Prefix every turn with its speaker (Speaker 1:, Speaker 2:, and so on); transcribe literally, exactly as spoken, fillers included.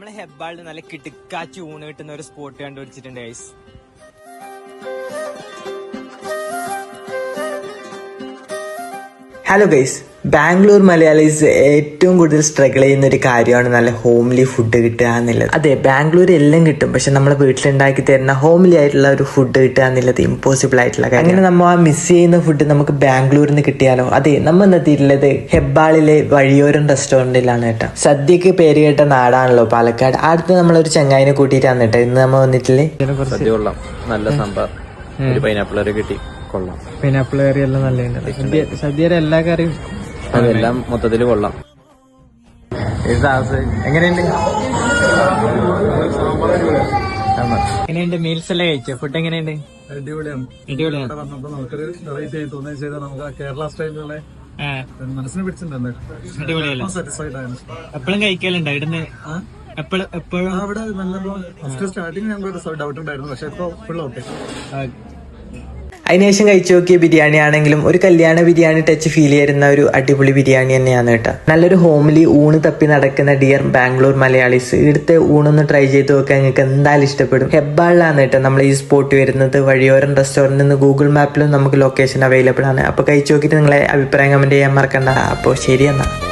Speaker 1: നമ്മളെ ഹെബ്ബാളിൽ നല്ല കിടുക്കാച്ചി ഊണ് കിട്ടുന്ന ഒരു സ്പോട്ട് കണ്ടുപിടിച്ചിട്ടുണ്ട് guys.
Speaker 2: Hello guys, Bangalore Malayalis ഏറ്റവും കൂടുതൽ സ്ട്രഗിൾ ചെയ്യുന്ന ഒരു കാര്യമാണ് നല്ല ഹോംലി ഫുഡ് കിട്ടുക എന്നുള്ളത്. അതെ, ബാംഗ്ലൂർ എല്ലാം കിട്ടും, പക്ഷെ നമ്മളെ വീട്ടിലുണ്ടാക്കി തരുന്ന ഹോംലി ആയിട്ടുള്ള ഒരു ഫുഡ് കിട്ടുക എന്നുള്ളത് ഇമ്പോസിബിൾ ആയിട്ടുള്ള കാര്യം. അങ്ങനെ നമ്മൾ ആ മിസ് ചെയ്യുന്ന ഫുഡ് നമുക്ക് ബാംഗ്ലൂരിൽ നിന്ന് കിട്ടിയാലോ? അതെ, നമ്മൾ എന്നെത്തിയിട്ടുള്ളത് ഹെബ്ബാളിലെ വഴിയോരം റെസ്റ്റോറൻറ്റിലാണ് കേട്ടോ. സദ്യക്ക് പേര് കേട്ട നാടാണല്ലോ പാലക്കാട്. അടുത്ത് നമ്മളൊരു ചങ്ങായിനെ കൂട്ടിയിട്ടാണ് കേട്ടോ ഇന്ന് നമ്മൾ വന്നിട്ടില്ലേ.
Speaker 3: സദ്യ കൊള്ളാം, നല്ല സാമ്പാർ, ഒരു പൈനാപ്പിൾ കറി കിട്ടി, കൊള്ളാം.
Speaker 1: പൈനാപ്പിൾ കറി എല്ലാം നല്ല സദ്യയുടെ എല്ലാ കറിയും
Speaker 3: അതെല്ലാം മൊത്തത്തില് കൊള്ളാം.
Speaker 1: എങ്ങനെയുണ്ട് എങ്ങനെയുണ്ട് മീൽസ് എല്ലാം കഴിച്ചോ? ഫുഡ് എങ്ങനെയുണ്ട്?
Speaker 4: അടിപൊളിയാണ്.
Speaker 1: അടിപൊളിയാണ്.
Speaker 4: വന്നപ്പോ നമുക്കൊരു വെറൈറ്റി ആയി തോന്നുകയും ചെയ്താൽ നമുക്ക് ആ കേരള സ്റ്റൈലിലുള്ള മനസ്സിനെ പിടിച്ചിട്ടുണ്ട്.
Speaker 1: അടിപൊളിയല്ല?
Speaker 4: സാറ്റിസ്ഫൈഡ് ആണ്.
Speaker 1: എപ്പോഴും കഴിക്കലുണ്ടോ ഇവിടുന്ന്? എപ്പോഴും എപ്പോഴും
Speaker 4: അവിടെ നല്ലപ്പോ ഫസ്റ്റ് സ്റ്റാർട്ടിങ് ഞങ്ങൾക്ക് ഡൗട്ട് ഉണ്ടായിരുന്നു, പക്ഷെ ഇപ്പൊ ഫുൾ ഓക്കെ.
Speaker 2: അതിനുശേഷം കഴിച്ചു നോക്കിയ ബിരിയാണി ആണെങ്കിലും ഒരു കല്യാണ ബിരിയാണി ടച്ച് ഫീൽ ചെയ്യുന്ന ഒരു അടിപൊളി ബിരിയാണി തന്നെയാണ് കേട്ടോ. നല്ലൊരു ഹോംലി ഊണ് തപ്പി നടക്കുന്ന ഡിയർ ബാംഗ്ലൂർ മലയാളീസ്, ഇവിടുത്തെ ഊണൊന്ന് ട്രൈ ചെയ്ത് നോക്കാൻ നിങ്ങൾക്ക് എന്തായാലും ഇഷ്ടപ്പെടും. ഹെബ്ബാളിലാണ് കേട്ടോ നമ്മൾ ഈ സ്പോട്ട് വരുന്നത്. വഴിയോരം റെസ്റ്റോറൻറ്റിൽ നിന്ന് ഗൂഗിൾ മാപ്പിലും നമുക്ക് ലൊക്കേഷൻ അവൈലബിൾ ആണ്. അപ്പോൾ കഴിച്ചു നോക്കിയിട്ട് നിങ്ങളെ അഭിപ്രായം കമന്റ് ചെയ്യാൻ മറക്കണ്ട. അപ്പോൾ ശരി എന്നാ.